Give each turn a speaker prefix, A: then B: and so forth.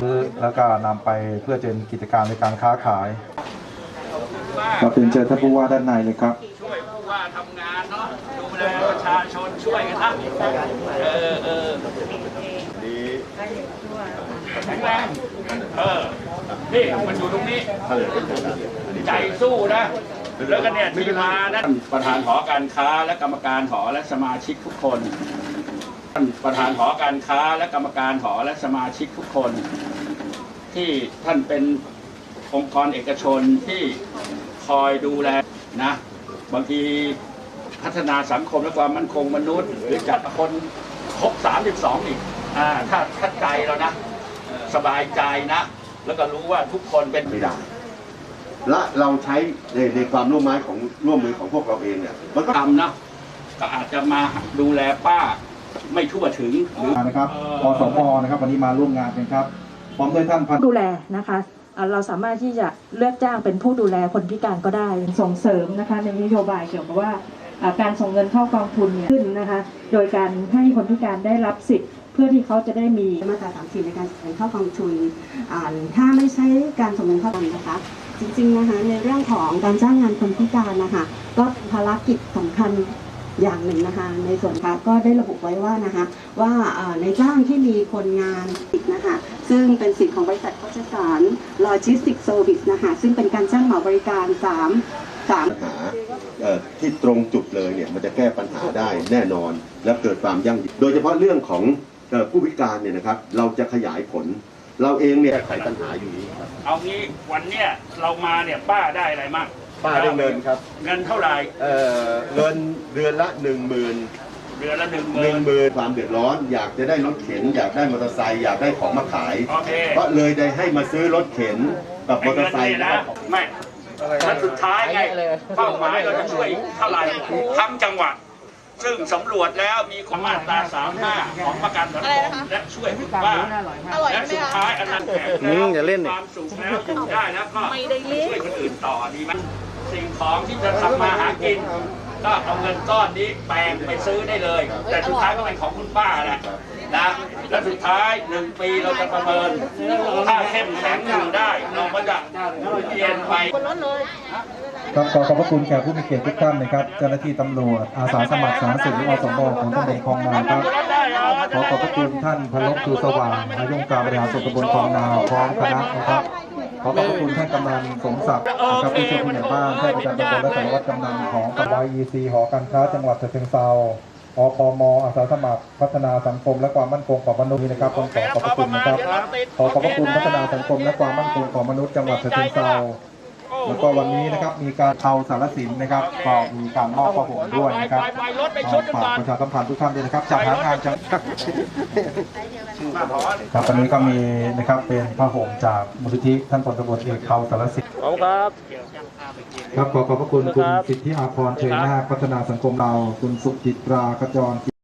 A: ซื้อแล้วก็นำไปเพื่อเป็นกิจการในการค้าขายเราเป็นเชิญท่านผู้ว่าด้านในเลยครับ
B: ช่วยผู้ว่าทำงานเนาะดูแลประชาชนช่วยกันนะดีแข็งแรงนี่มันอยู่ตรงนี้ใจสู้นะแล้วก็เนี่ยที่มานะประธานหอการค้าและกรรมการหอและสมาชิกทุกคนประธานหอการค้าและกรรมการหอและสมาชิกทุกคนที่ท่านเป็นองค์กรเอกชนที่คอยดูแลนะบางทีพัฒนาสังคมและความมั่นคงมนุษย์หรือจัดคนครบ32อีกถ้าใจเรานะสบายใจนะแล้วก็รู้ว่าทุกคนเป็นไม่ได้
C: และเราใช้ในความร่วมมือของพวกเราเองเนี่ยมันก็
B: ทำนะก็อาจจะมาดูแลป้าไม่ทั่วถึงหรือ
A: นะครับอสมนะครับวันนี้มาร่วมงานกันครับพร้อมด้วยท่านพัน
D: ดูแลนะคะเราสามารถที่จะเลือกจ้างเป็นผู้ดูแลคนพิการก็ได้ส่งเสริมนะคะในนโยบายเกี่ยวกับว่าการส่งเงินเข้ากองทุนเนี่ยขึ้นนะคะโดยการให้คนพิการได้รับสิทธิ์เพื่อที่เขาจะได้มี
E: มาตรา30ในการส่งเงินเข้ากองทุนถ้าไม่ใช่การส่งเงินเข้ากองทุนนะคะจริงๆนะคะในเรื่องของการจ้างงานคนพิการนะคะก็ภารกิจสำคัญอย่างหนึ่งนะคะในส่วนค่ะก็ได้ระบุไว้ว่านะคะว่าในจ้างที่มีคนงานนะคะซึ่งเป็นสิทธิ์ของบริษัทโฆษสารโลจิสติกส์เซอร์วิสนะคะซึ่งเป็นการจ้างเหมาบริการ
C: ปัญหาที่ตรงจุดเลยเนี่ยมันจะแก้ปัญหาได้แน่นอนและเกิดความยั่งยืนโดยเฉพาะเรื่องของผู้พิการเนี่ยนะครับเราจะขยายผลเราเองเนี่ยแก้ไขปัญหาอยู่นี้ครับ
B: เอางี้วันเนี้ยเรามาเนี่ยป้าได้อะไรมั่ง
C: ป้าได้เงินครับ
B: เงินเท่าไหร่
C: เงินเดือนละ 10,000
B: เดือนละ
C: 10,000ความเดือดร้อนอยากจะได้รถเข็นอยากได้มอเตอร์ไซค์อยากได้ของมาขายก็เลยได้ให้มาซื้อรถเข็นกับมอเตอร์ไซค์
B: นะไม่แล้วสุดท้ายไงเป้าหมายเราจะช่วยเท่าไหร่ทั้งจังหวัดซึ่งสำรวจแล้วมีความมาตรา35ของประกันสังคมและช่วยผู้ว่าและสุดท้ายอันนั้นแข็งแล้วความสุขแล้วอยู่ได้แล้วก็ช่วยคนอื่นต่อดีไหมสิ่งของที่จะทำมาหากินก็เอาเงินก้อนนี้แปลงไปซื้อได้เลยแต่สุดท้ายก็เป็นของคุณป้าแหละนะและสุดท้าย1 ปีเราจะประเมินถ้าเข้มแข็งอยู่ได้เราก็จะเปลี่ยนไป
A: ครับขอขอบพระคุณแขกผู้มีเกียรติทุกท่านนะครับเจ้าหน้าที่ตำรวจอาสาสมัครสาธารณสุขอสมของตำบลคลองนาครับขอขอบพระคุณท่านพลบชูสว่างนายกการบริหารส่วนตำบลคลองนาพร้อมคณะนะครับขอขอบพระคุณท่านกำนันสมศักดิ์นะครับผู้ช่วยผู้ใหญ่บ้านท่านประจำตำบลและสารวัตรกำนันของตำบลEC หอการค้าจังหวัดฉะเชิงเทราอพมอาสาสมัครพัฒนาสังคมและความมั่นคงของมนุษย์นะครับขอขอบพระคุณนะครับขอขอบพระคุณพัฒนาสังคมและความมั่นคงของมนุษย์จังหวัดฉะเชิงเทราแล้วก็วันนี้นะครับมีการเอาสารสินนะครับก็มีการมอบผ้าห่มด้วยนะครับฝากประชาสัมพันธ์ทุกท่านด้วยนะครับจัดหางานจังครับวันนี้ก็มีนะครับเป็นผ้าห่มจากมูลนิธิท่านพลตำรวจเอกเขาสารสิน
B: ครับ
A: ครับขอขอบพระคุณคุณสิทธิอาภรณ์เชยนาคพัฒนาสังคมเราคุณสุจิตราขจร